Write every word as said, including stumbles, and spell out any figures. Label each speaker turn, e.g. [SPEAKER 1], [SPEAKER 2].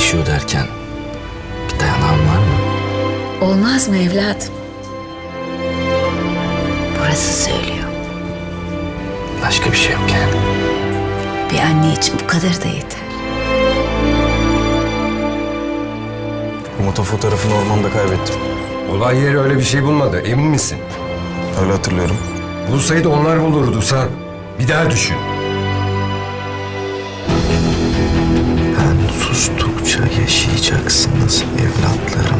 [SPEAKER 1] yaşıyor derken bir dayanağın var mı?
[SPEAKER 2] Olmaz mı evladım? Burası söylüyor.
[SPEAKER 1] Başka bir şey yok yani.
[SPEAKER 2] Bir anne için bu kadar da yeter.
[SPEAKER 3] Bu moto fotoğrafını ormanda kaybettim.
[SPEAKER 4] Olay yeri öyle bir şey bulmadı. Emin misin?
[SPEAKER 3] Öyle hatırlıyorum.
[SPEAKER 4] Bulsaydı onlar bulurdu sen. Bir daha düşün.
[SPEAKER 1] Ben sustukça yaşayacaksınız evlatlarım.